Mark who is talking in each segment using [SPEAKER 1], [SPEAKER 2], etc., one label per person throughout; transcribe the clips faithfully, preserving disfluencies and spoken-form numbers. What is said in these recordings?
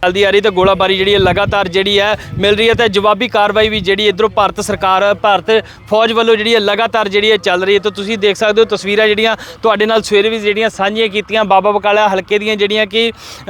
[SPEAKER 1] चलती आ रही तो गोलाबारी जी लगातार जी है मिल रही है तो जवाबी कार्रवाई भी जी इधरों भारत सरकार भारत फौज वालों जी लगातार जी चल रही है। तो तुम देख सकते हो तस्वीर जड़ियाँ सवेरे भी जी साझियाँ कीतियां बाबा बकाला हल्के दियां जड़ियाँ कि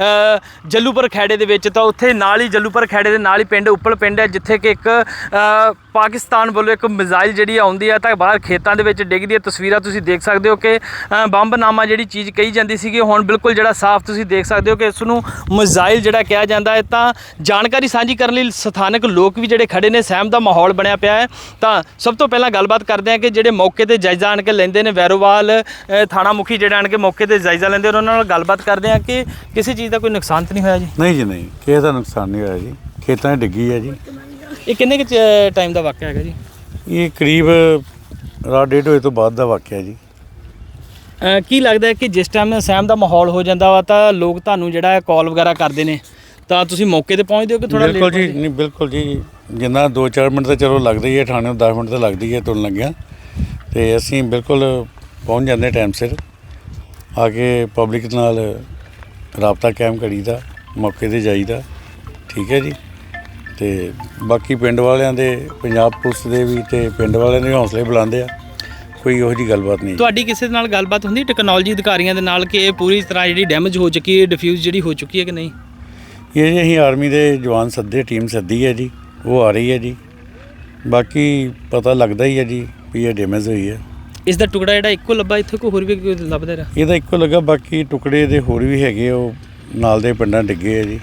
[SPEAKER 1] जलूपुर खैड़े दे विच तो उत्थे नाल ही जलूपुर खैड़े दे नाल ही पिंड उप्पल पिंड है जिथे कि एक पाकिस्तान वालों एक मिसाइल जी आउंदी है तो बाहर खेतों के विच डिगदी है। तस्वीरां तुसीं देख सकते हो कि बंबनामा जी चीज़ कही जाती सी हुण बिल्कुल जो साफ तुसीं देख सकते हो कि इसनूं मिसाइल जिहड़ा कहा जाता है। तो जानकारी साझी करने लई स्थानक लोग भी जिहड़े खड़े ने सहम का माहौल बनया पिया है। तो सब तो पहला गलबात करते हैं कि जिहड़े मौके पर जायजा आण के लेंदे ने वैरोवाल थाणा मुखी जिहड़े आण के मौके पर जायजा लेंदे उन्हां नाल गलबात करते हैं कि किसी चीज़ का कोई नुकसान तो नहीं होया जी?
[SPEAKER 2] नहीं जी नहीं, किसी का नुकसान नहीं होया जी, खेतों में डिग्गी है जी।
[SPEAKER 1] ये किन्ने के टाइम का वाक़या है जी?
[SPEAKER 2] ये करीब रात डेढ़ बजे तो बाद का वाक़या जी।
[SPEAKER 1] अ, की लगता है कि जिस टाइम सहम का माहौल हो जाता वा तो लोग तुहानूं जिहड़ा कॉल वगैरह करते हैं तो तुसीं मौके पर पहुँचते हो कि थोड़ा
[SPEAKER 2] बिल्कुल जी नहीं बिल्कुल जी, जिन्ना दो चार मिनट तो चलो लगता ही है, थाने दस मिनट तो लगती है तुरन लग्या तो असीं बिल्कुल पहुँच जाते टाइम सिर आके पब्लिक नाल राबता कायम करीदा, मौके पर जाईदा। ठीक है जी। तो बाकी पिंड वालियां दे पंजाब पुलिस दे भी ते पिंड वालियां दे हौसले बुलंद आ, कोई इहो जी गलबात नहीं।
[SPEAKER 1] तुहाडी किसी नाल गलबात हुंदी टैक्नोलॉजी अधिकारियों दे नाल कि पूरी तरह जिहड़ी डैमेज हो चुकी है डिफ्यूज़ जिहड़ी हो चुकी है कि नहीं?
[SPEAKER 2] ये जी असीं आर्मी दे जवान सद्दे टीम सद्दी है जी, वो आ रही है जी। बाकी पता लगता ही है जी भी ये डैमेज हुई है।
[SPEAKER 1] इसका टुकड़ा जिहड़ा इक्को लब्भा इत्थे कोई होर भी कोई लभदा रहा?
[SPEAKER 2] ਇਹਦਾ ਇੱਕੋ ਲੱਗਾ, ਬਾਕੀ ਟੁਕੜੇ ਦੇ ਹੋਰ ਵੀ ਹੈਗੇ ਉਹ ਨਾਲ ਦੇ ਪਿੰਡਾਂ ਡਿੱਗੇ ਆ ਜੀ।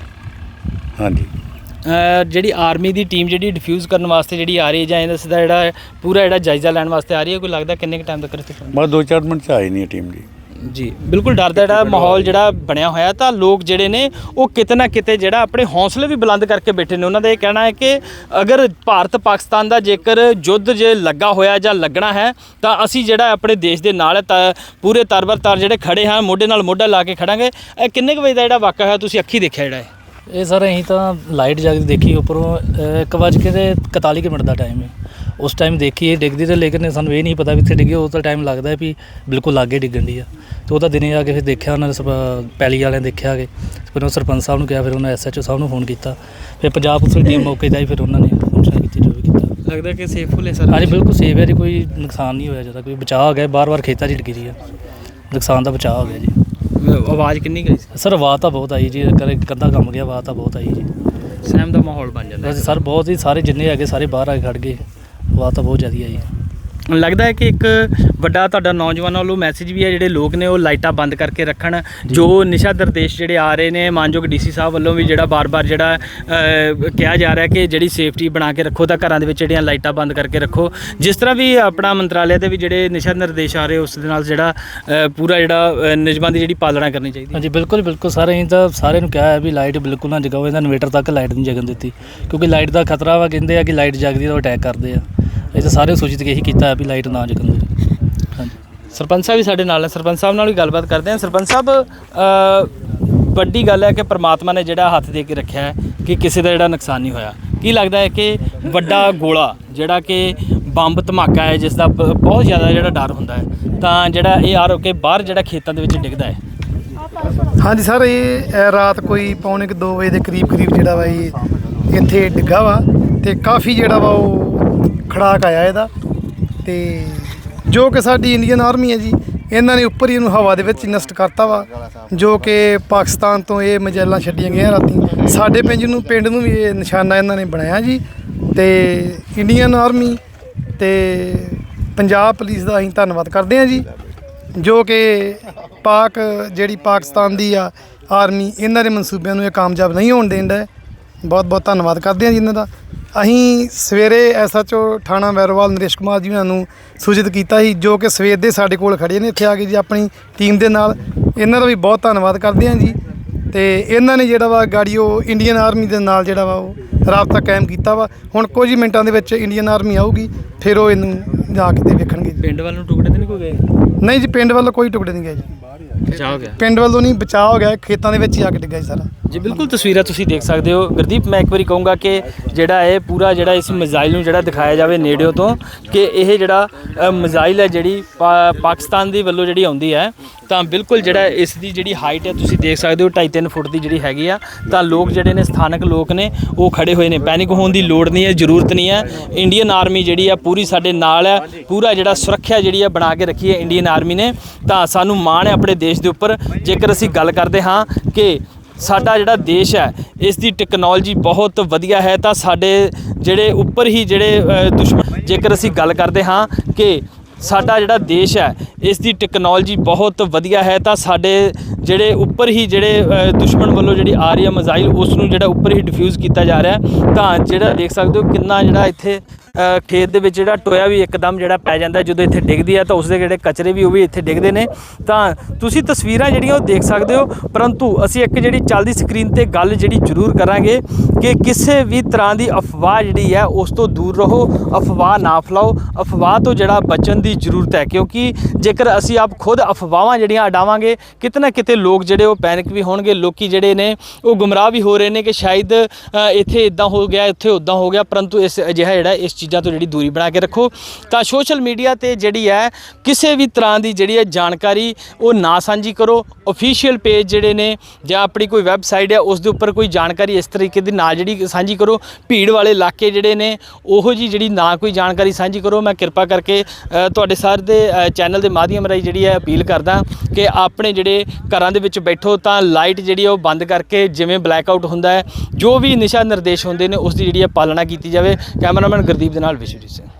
[SPEAKER 2] ਹਾਂਜੀ
[SPEAKER 1] ਜਿਹੜੀ ਆਰਮੀ ਦੀ ਟੀਮ ਜਿਹੜੀ ਡਿਫਿਊਜ਼ ਕਰਨ ਵਾਸਤੇ ਜਿਹੜੀ ਆ ਰਹੀ ਹੈ ਜਾਂ ਇਹਦਾ ਸਿੱਧਾ ਜਿਹੜਾ ਪੂਰਾ ਜਿਹੜਾ ਜਾਇਜ਼ਾ ਲੈਣ ਵਾਸਤੇ ਆ ਰਹੀ ਹੈ, ਕੋਈ ਲੱਗਦਾ ਕਿੰਨੇ ਕੁ ਟਾਈਮ ਤੱਕ ਇੱਥੇ ਪਹੁੰਚੇ?
[SPEAKER 2] ਬਸ ਦੋ ਚਾਰ ਮਿੰਟ 'ਚ ਆਈ ਨਹੀਂ ਟੀਮ ਜੀ।
[SPEAKER 1] ਜੀ ਬਿਲਕੁਲ ਡਰ ਦਾ ਜਿਹੜਾ ਮਾਹੌਲ ਜਿਹੜਾ ਬਣਿਆ ਹੋਇਆ ਤਾਂ ਲੋਕ ਜਿਹੜੇ ਨੇ ਉਹ ਕਿਤੇ ਨਾ ਕਿਤੇ ਜਿਹੜਾ ਆਪਣੇ ਹੌਸਲੇ ਵੀ ਬੁਲੰਦ ਕਰਕੇ ਬੈਠੇ ਨੇ। ਉਹਨਾਂ ਦਾ ਇਹ ਕਹਿਣਾ ਹੈ ਕਿ ਅਗਰ ਭਾਰਤ ਪਾਕਿਸਤਾਨ ਦਾ ਜੇਕਰ ਯੁੱਧ ਜੇ ਲੱਗਾ ਹੋਇਆ ਜਾਂ ਲੱਗਣਾ ਹੈ ਤਾਂ ਅਸੀਂ ਜਿਹੜਾ ਆਪਣੇ ਦੇਸ਼ ਦੇ ਨਾਲ ਤਾਂ ਪੂਰੇ ਤਰਬਰ ਤਰ ਜਿਹੜੇ ਖੜੇ ਹਾਂ, ਮੋਢੇ ਨਾਲ ਮੋਢਾ ਲਾ ਕੇ ਖੜਾਂਗੇ। ਇਹ ਕਿੰਨੇ ਕੁ ਵਜੇ ਦਾ ਜਿਹੜਾ ਵਾਕਿਆ ਹੋਇਆ ਤੁਸੀਂ ਅੱਖੀ ਦੇਖਿਆ ਜਿਹੜਾ ਹੈ?
[SPEAKER 3] ਇਹ ਸਰ ਅਸੀਂ ਤਾਂ ਲਾਈਟ ਜਗ ਦੇਖੀ ਉੱਪਰੋਂ ਇੱਕ ਵੱਜ ਕੇ ਤੇ ਇਕਤਾਲੀ ਕੁ ਮਿੰਟ ਦਾ ਟਾਈਮ ਹੈ। ਉਸ ਟਾਈਮ ਦੇਖੀ ਇਹ ਡਿੱਗਦੀ ਤੇ ਲੇਕਿਨ ਸਾਨੂੰ ਇਹ ਨਹੀਂ ਪਤਾ ਵੀ ਇੱਥੇ ਡਿੱਗੀ। ਉਹ ਤਾਂ ਟਾਈਮ ਲੱਗਦਾ ਵੀ ਬਿਲਕੁਲ ਲਾਗੇ ਡਿੱਗਣ ਦੀ ਆ। ਤੇ ਉਹ ਤਾਂ ਦਿਨੇ ਆ ਕੇ ਫਿਰ ਦੇਖਿਆ ਉਹਨਾਂ ਨੇ ਪੈਲੀ ਵਾਲਿਆਂ ਨੇ ਦੇਖਿਆ ਕਿ ਫਿਰ ਉਹ ਸਰਪੰਚ ਸਾਹਿਬ ਨੂੰ ਕਿਹਾ, ਫਿਰ ਉਹਨਾਂ ਐਸ ਐਚ ਓ ਸਾਹਿਬ ਨੂੰ ਫੋਨ ਕੀਤਾ, ਫਿਰ ਪੰਜਾਬ ਪੁਲਿਸ ਦੀ ਟੀਮ ਮੌਕੇ 'ਤੇ ਆਈ, ਫਿਰ ਉਹਨਾਂ ਨੇ ਫੰਕਸ਼ਨ ਕੀਤੀ ਜੋ ਵੀ ਕੀਤਾ।
[SPEAKER 1] ਲੱਗਦਾ ਕਿ ਸੇਫਫੁਲ ਹੈ ਸਰ? ਹਾਂਜੀ
[SPEAKER 3] ਬਿਲਕੁਲ ਸੇਫ ਹੈ ਜੀ, ਕੋਈ ਨੁਕਸਾਨ ਨਹੀਂ ਹੋਇਆ ਜ਼ਿਆਦਾ, ਕੋਈ ਬਚਾਅ ਹੋ ਗਿਆ। ਬਾਰ ਬਾਰ ਖੇਤਾਂ 'ਚ ਡਿੱਗੀ ਰਹੀ ਆ, ਨੁਕਸਾਨ ਦਾ ਬਚਾਅ ਹੋ ਗਿਆ ਜੀ।
[SPEAKER 1] ਆਵਾਜ਼ ਕਿੰਨੀ ਗਈ ਸੀ
[SPEAKER 3] ਸਰ? ਆਵਾਜ਼ ਤਾਂ ਬਹੁਤ ਆਈ ਜੀ, ਕਦੇ ਕੰਧਾ ਕੰਮ ਗਿਆ, ਆਵਾਜ਼ ਤਾਂ ਬਹੁਤ ਆਈ ਜੀ।
[SPEAKER 1] ਸਹਿਮ ਦਾ ਮਾਹੌਲ ਬਣ ਜਾਂਦਾ
[SPEAKER 3] ਸਰ ਬਹੁਤ ਹੀ, ਸਾਰੇ ਜਿੰਨੇ ਹੈਗੇ ਸਾਰੇ ਬਾਹਰ ਆ ਕੇ ਖੜ੍ਹ ਗਏ, ਆਵਾਜ਼ ਤਾਂ ਬਹੁਤ ਜ਼ਿਆਦਾ ਆਈ।
[SPEAKER 1] ਲੱਗਦਾ ਹੈ ਕਿ ਇੱਕ ਵੱਡਾ ਤੁਹਾਡਾ ਨੌਜਵਾਨਾਂ ਵੱਲੋਂ ਮੈਸੇਜ ਵੀ ਹੈ ਜਿਹੜੇ ਲੋਕ ਨੇ ਉਹ ਲਾਈਟਾਂ ਬੰਦ ਕਰਕੇ ਰੱਖਣ। ਜੋ ਨਿਸ਼ਾ ਨਿਰਦੇਸ਼ ਜਿਹੜੇ ਆ ਰਹੇ ਨੇ ਮਾਨਯੋਗ ਡੀ ਸੀ ਸਾਹਿਬ ਵੱਲੋਂ ਵੀ ਜਿਹੜਾ ਬਾਰ-ਬਾਰ ਜਿਹੜਾ ਕਿਹਾ ਜਾ ਰਿਹਾ ਕਿ ਜਿਹੜੀ ਸੇਫਟੀ ਬਣਾ ਕੇ ਰੱਖੋ ਤਾਂ ਘਰਾਂ ਦੇ ਵਿੱਚ ਜਿਹੜੀਆਂ ਲਾਈਟਾਂ ਬੰਦ ਕਰਕੇ ਰੱਖੋ। ਜਿਸ ਤਰ੍ਹਾਂ ਵੀ ਆਪਣਾ ਮੰਤਰਾਲੇ ਦੇ ਵੀ ਜਿਹੜੇ ਨਿਸ਼ਾ ਨਿਰਦੇਸ਼ ਆ ਰਹੇ ਉਸ ਦੇ ਨਾਲ ਜਿਹੜਾ ਪੂਰਾ ਜਿਹੜਾ ਨਿਯਮਾਂ ਦੀ ਜਿਹੜੀ ਪਾਲਣਾ ਕਰਨੀ ਚਾਹੀਦੀ।
[SPEAKER 3] ਹਾਂਜੀ ਬਿਲਕੁਲ ਬਿਲਕੁਲ ਸਰ, ਅਸੀਂ ਤਾਂ ਸਾਰਿਆਂ ਨੂੰ ਕਿਹਾ ਹੈ ਵੀ ਲਾਈਟ ਬਿਲਕੁਲ ਨਾ ਜਗਾਓ। ਇਹਦਾ ਇਨਵੇਟਰ ਤੱਕ ਲਾਈਟ ਨਹੀਂ ਜਗਣ ਦਿੱਤੀ ਕਿਉਂਕਿ ਲਾਈਟ ਦਾ ਖਤਰਾ ਵਾ। ਕਹਿੰਦੇ ਆ ਕਿ ਲਾਈਟ ਜਗਦੀ ਤਾਂ ਅਟੈਕ ਕਰਦੇ ਆ। ਇਹ ਤਾਂ ਸਾਰੇ ਸੂਚਿਤ ਇਹੀ ਕੀਤਾ ਵੀ ਲਾਈਟ ਨਾ ਜਗਣ ਦਿਓ। ਹਾਂਜੀ
[SPEAKER 1] ਸਰਪੰਚ ਸਾਹਿਬ ਵੀ ਸਾਡੇ ਨਾਲ ਹੈ, ਸਰਪੰਚ ਸਾਹਿਬ ਨਾਲ ਵੀ ਗੱਲਬਾਤ ਕਰਦੇ ਹਾਂ। ਸਰਪੰਚ ਸਾਹਿਬ ਵੱਡੀ ਗੱਲ ਹੈ ਕਿ ਪ੍ਰਮਾਤਮਾ ਨੇ ਜਿਹੜਾ ਹੱਥ ਦੇ ਕੇ ਰੱਖਿਆ ਹੈ ਕਿ ਕਿਸੇ ਦਾ ਜਿਹੜਾ ਨੁਕਸਾਨ ਨਹੀਂ ਹੋਇਆ। ਕੀ ਲੱਗਦਾ ਹੈ ਕਿ ਵੱਡਾ ਗੋਲਾ ਜਿਹੜਾ ਕਿ ਬੰਬ ਧਮਾਕਾ ਹੈ ਜਿਸ ਦਾ ਬਹੁਤ ਜ਼ਿਆਦਾ ਜਿਹੜਾ ਡਰ ਹੁੰਦਾ ਹੈ ਤਾਂ ਜਿਹੜਾ ਇਹ ਆ ਕੇ ਬਾਹਰ ਜਿਹੜਾ ਖੇਤਾਂ ਦੇ ਵਿੱਚ ਡਿੱਗਦਾ ਹੈ?
[SPEAKER 4] ਹਾਂਜੀ ਸਰ, ਇਹ ਰਾਤ ਕੋਈ ਪੌਣੇ ਕੁ ਦੋ ਵਜੇ ਦੇ ਕਰੀਬ ਕਰੀਬ ਜਿਹੜਾ ਵਾ ਇਹ ਇੱਥੇ ਡਿੱਗਾ ਵਾ ਅਤੇ ਕਾਫੀ ਜਿਹੜਾ ਵਾ ਉਹ ਖੜਾਕ ਆਇਆ ਇਹਦਾ। ਅਤੇ ਜੋ ਕਿ ਸਾਡੀ ਇੰਡੀਅਨ ਆਰਮੀ ਹੈ ਜੀ, ਇਹਨਾਂ ਨੇ ਉੱਪਰ ਹੀ ਇਹਨੂੰ ਹਵਾ ਦੇ ਵਿੱਚ ਨਸ਼ਟ ਕਰਤਾ ਵਾ। ਜੋ ਕਿ ਪਾਕਿਸਤਾਨ ਤੋਂ ਇਹ ਮਜੈਲਾਂ ਛੱਡੀਆਂ ਗਈਆਂ ਰਾਤੀ ਸਾਡੇ ਪਿੰਡ ਨੂੰ ਪਿੰਡ ਨੂੰ ਵੀ ਇਹ ਨਿਸ਼ਾਨਾ ਇਹਨਾਂ ਨੇ ਬਣਾਇਆ ਜੀ। ਅਤੇ ਇੰਡੀਅਨ ਆਰਮੀ ਅਤੇ ਪੰਜਾਬ ਪੁਲਿਸ ਦਾ ਅਸੀਂ ਧੰਨਵਾਦ ਕਰਦੇ ਹਾਂ ਜੀ, ਜੋ ਕਿ ਪਾਕ ਜਿਹੜੀ ਪਾਕਿਸਤਾਨ ਦੀ ਆ ਆਰਮੀ ਇਹਨਾਂ ਦੇ ਮਨਸੂਬਿਆਂ ਨੂੰ ਇਹ ਕਾਮਯਾਬ ਨਹੀਂ ਹੋਣ ਦੇਣ ਦਾ। ਬਹੁਤ ਬਹੁਤ ਧੰਨਵਾਦ ਕਰਦੇ ਹਾਂ ਜੀ ਇਹਨਾਂ ਦਾ। ਅਸੀਂ ਸਵੇਰੇ ਐਸ ਐਚ ਓ ਥਾਣਾ ਵੈਰੋਵਾਲ ਨਰੇਸ਼ ਕੁਮਾਰ ਜੀ ਉਹਨਾਂ ਨੂੰ ਸੂਚਿਤ ਕੀਤਾ ਸੀ, ਜੋ ਕਿ ਸਵੇਰ ਦੇ ਸਾਡੇ ਕੋਲ ਖੜ੍ਹੇ ਨੇ ਇੱਥੇ ਆ ਕੇ ਜੀ ਆਪਣੀ ਟੀਮ ਦੇ ਨਾਲ। ਇਹਨਾਂ ਦਾ ਵੀ ਬਹੁਤ ਧੰਨਵਾਦ ਕਰਦੇ ਹਾਂ ਜੀ। ਅਤੇ ਇਹਨਾਂ ਨੇ ਜਿਹੜਾ ਵਾ ਗਾੜੀ ਉਹ ਇੰਡੀਅਨ ਆਰਮੀ ਦੇ ਨਾਲ ਜਿਹੜਾ ਵਾ ਉਹ ਰਾਬਤਾ ਕਾਇਮ ਕੀਤਾ ਵਾ। ਹੁਣ ਕੁਝ ਹੀ ਮਿੰਟਾਂ ਦੇ ਵਿੱਚ ਇੰਡੀਅਨ ਆਰਮੀ ਆਊਗੀ, ਫਿਰ ਉਹ ਇਹਨੂੰ ਜਾ ਕੇ ਤੇ ਵੇਖਣਗੇ।
[SPEAKER 1] ਪਿੰਡ ਵੱਲ ਨੂੰ ਟੁਕੜੇ ਤਾਂ ਨਹੀਂ ਕੋਈ ਗਏ?
[SPEAKER 4] ਨਹੀਂ ਜੀ, ਪਿੰਡ ਵੱਲੋਂ ਕੋਈ ਟੁਕੜੇ ਨਹੀਂ ਗਏ ਜੀ।
[SPEAKER 1] ਬਚਾਅ ਹੋ ਗਿਆ?
[SPEAKER 4] ਪਿੰਡ ਵੱਲੋਂ ਨਹੀਂ, ਬਚਾਅ ਹੋ ਗਿਆ, ਖੇਤਾਂ ਦੇ ਵਿੱਚ ਹੀ ਆ ਕੇ ਡਿੱਗਾ ਜੀ ਸਾਰਾ।
[SPEAKER 1] ਜੀ ਬਿਲਕੁਲ ਤਸਵੀਰਾਂ ਤੁਸੀਂ ਦੇਖ ਸਕਦੇ ਹੋ ਗੁਰਦੀਪ। ਮੈਂ ਇੱਕ ਵਾਰੀ ਕਹੂੰਗਾ ਕਿ ਜਿਹੜਾ ਇਹ ਪੂਰਾ ਜਿਹੜਾ ਇਸ ਮਿਜ਼ਾਈਲ ਨੂੰ ਜਿਹੜਾ ਦਿਖਾਇਆ ਜਾਵੇ ਨੇੜਿਓਂ ਤੋਂ ਕਿ ਇਹ ਜਿਹੜਾ ਅ, ਮਿਜ਼ਾਈਲ ਹੈ ਜਿਹੜੀ ਪਾ- ਪਾਕਿਸਤਾਨ ਦੀ ਵੱਲੋਂ ਜਿਹੜੀ ਆਉਂਦੀ ਹੈ ਤਾਂ ਬਿਲਕੁਲ ਜਿਹੜਾ ਇਸ ਦੀ ਜਿਹੜੀ ਹਾਈਟ ਹੈ ਤੁਸੀਂ ਦੇਖ ਸਕਦੇ ਹੋ ਢਾਈ ਤਿੰਨ ਫੁੱਟ ਦੀ ਜਿਹੜੀ ਹੈਗੀ ਆ। ਤਾਂ ਲੋਕ ਜਿਹੜੇ ਨੇ ਸਥਾਨਕ ਲੋਕ ਨੇ ਉਹ ਖੜੇ ਹੋਏ ਨੇ। ਪੈਨਿਕ ਹੋਣ ਦੀ ਲੋੜ ਨਹੀਂ ਹੈ, ਜ਼ਰੂਰਤ ਨਹੀਂ ਹੈ। ਇੰਡੀਅਨ ਆਰਮੀ ਜਿਹੜੀ ਆ ਪੂਰੀ ਸਾਡੇ ਨਾਲ ਹੈ। ਪੂਰਾ ਜਿਹੜਾ ਸੁਰੱਖਿਆ ਜਿਹੜੀ ਆ ਬਣਾ ਕੇ ਰੱਖੀ ਹੈ ਇੰਡੀਅਨ ਆਰਮੀ ਨੇ। ਤਾਂ ਸਾਨੂੰ ਮਾਣ ਹੈ ਆਪਣੇ ਦੇਸ਼ ਦੇ ਉੱਪਰ। ਜੇਕਰ ਅਸੀਂ ਗੱਲ ਕਰਦੇ ਹਾਂ ਕਿ ਸਾਡਾ ਜਿਹੜਾ ਦੇਸ਼ ਹੈ ਇਸ ਦੀ ਟੈਕਨੋਲੋਜੀ ਬਹੁਤ ਵਧੀਆ ਹੈ ਤਾਂ ਸਾਡੇ ਜਿਹੜੇ ਉੱਪਰ ਹੀ ਜਿਹੜੇ ਅ, ਦੁਸ਼ਮਣ ਜੇਕਰ ਅਸੀਂ ਗੱਲ ਕਰਦੇ ਹਾਂ ਕਿ ਸਾਡਾ ਜਿਹੜਾ ਦੇਸ਼ ਹੈ ਇਸ ਦੀ ਟੈਕਨੋਲੋਜੀ ਬਹੁਤ ਵਧੀਆ ਹੈ ਤਾਂ ਸਾਡੇ ਜਿਹੜੇ ਉੱਪਰ ਹੀ ਜਿਹੜੇ ਅ, ਦੁਸ਼ਮਣ ਵੱਲੋਂ ਜਿਹੜੀ ਆ ਰਹੀ ਹੈ ਮਿਜ਼ਾਈਲ ਉਸ ਨੂੰ ਜਿਹੜਾ ਉੱਪਰ ਹੀ ਡਿਫਿਊਜ਼ ਕੀਤਾ ਜਾ ਰਿਹਾ। ਤਾਂ ਜਿਹੜਾ ਦੇਖ ਸਕਦੇ ਹੋ ਕਿੰਨਾ ਜਿਹੜਾ ਇੱਥੇ ਅ, ਖੇਤ ਦੇ ਵਿੱਚ ਜਿਹੜਾ ਟੋਇਆ ਵੀ ਇੱਕਦਮ ਜਿਹੜਾ ਪੈ ਜਾਂਦਾ ਜਦੋਂ ਇੱਥੇ ਡਿੱਗਦੀ ਹੈ ਤਾਂ ਉਸਦੇ ਜਿਹੜੇ ਕਚਰੇ ਵੀ ਉਹ ਵੀ ਇੱਥੇ ਡਿੱਗਦੇ ਨੇ। ਤਾਂ ਤੁਸੀਂ ਤਸਵੀਰਾਂ ਜਿਹੜੀਆਂ ਉਹ ਦੇਖ ਸਕਦੇ ਹੋ। ਪਰੰਤੂ ਅਸੀਂ ਇੱਕ ਜਿਹੜੀ ਚੱਲਦੀ ਸਕਰੀਨ ਤੇ ਗੱਲ ਜਿਹੜੀ ਜ਼ਰੂਰ ਕਰਾਂਗੇ ਕਿ ਕਿਸੇ ਵੀ ਤਰ੍ਹਾਂ ਦੀ ਅਫਵਾਹ ਜਿਹੜੀ ਹੈ ਉਸ ਤੋਂ ਦੂਰ ਰਹੋ। ਅਫਵਾਹ ਨਾ ਫੈਲਾਓ। ਅਫਵਾਹ ਤੋਂ ਜਿਹੜਾ ਬਚਣ ਦੀ ਜ਼ਰੂਰਤ ਹੈ ਕਿਉਂਕਿ ਜੇਕਰ ਅਸੀਂ ਆਪ ਖੁਦ ਅਫਵਾਹਾਂ ਜਿਹੜੀਆਂ ਅਡਾਵਾਂਗੇ ਕਿਤੇ ਨਾ ਕਿਤੇ ਲੋਕ ਜਿਹੜੇ ਉਹ ਪੈਨਿਕ ਵੀ ਹੋਣਗੇ। ਲੋਕੀ ਜਿਹੜੇ ਨੇ ਉਹ ਗੁੰਮਰਾਹ ਵੀ ਹੋ ਰਹੇ ਨੇ ਕਿ ਸ਼ਾਇਦ ਅ, ਇੱਥੇ ਇਦਾਂ ਹੋ ਗਿਆ ਇੱਥੇ ਉੱਦਾਂ ਹੋ ਗਿਆ। ਪਰੰਤੂ ਇਸ ਅਜਿਹਾ ਜਿਹੜਾ ਇਸ ਚੀਜ਼ਾਂ ਤੋਂ ਜਿਹੜੀ ਦੂਰੀ ਬਣਾ ਕੇ ਰੱਖੋ। ਤਾਂ ਸੋਸ਼ਲ ਮੀਡੀਆ ਤੇ ਜਿਹੜੀ ਹੈ ਕਿਸੇ ਵੀ ਤਰ੍ਹਾਂ ਦੀ ਜਿਹੜੀ ਹੈ ਜਾਣਕਾਰੀ ਉਹ ਨਾ ਸਾਂਝੀ ਕਰੋ। ਅਫੀਸ਼ੀਅਲ ਪੇਜ ਜਿਹੜੇ ਨੇ ਜਾਂ ਆਪਣੀ ਕੋਈ ਵੈਬਸਾਈਟ ਹੈ ਉਸ ਦੇ ਉੱਪਰ ਕੋਈ ਜਾਣਕਾਰੀ ਇਸ ਤਰੀਕੇ ਦੀ ਨਾ ਜਿਹੜੀ ਸਾਂਝੀ ਕਰੋ। ਭੀੜ ਵਾਲੇ ਇਲਾਕੇ ਜਿਹੜੇ ਨੇ ਉਹੋ ਜੀ ਜਿਹੜੀ ਨਾ ਕੋਈ ਜਾਣਕਾਰੀ ਸਾਂਝੀ ਕਰੋ। ਮੈਂ ਕਿਰਪਾ ਕਰਕੇ ਅ, ਤੁਹਾਡੇ ਸਾਰੇ ਦੇ ਅ, ਚੈਨਲ ਦੇ ਮਾਧਿਅਮ ਰਾਹੀਂ ਜਿਹੜੀ ਹੈ ਅਪੀਲ ਕਰਦਾ ਕਿ ਆਪਣੇ ਜਿਹੜੇ ਘਰਾਂ ਦੇ ਵਿੱਚ ਬੈਠੋ ਤਾਂ ਲਾਈਟ ਜਿਹੜੀ ਹੈ ਉਹ ਬੰਦ ਕਰਕੇ ਜਿਵੇਂ ਬਲੈਕ ਆਊਟ ਹੁੰਦਾ ਹੈ ਜੋ ਵੀ ਦਿਸ਼ਾ ਨਿਰਦੇਸ਼ ਹੁੰਦੇ ਨੇ ਉਸ ਦੀ ਜਿਹੜੀ ਹੈ ਪਾਲਣਾ ਕੀਤੀ ਜਾਵੇ। ਕੈਮਰਾਮੈਨ ਗੁਰਦੀਪ ਦੇ ਨਾਲ ਵਿਸ਼ਵਜੀਤ ਸਿੰਘ।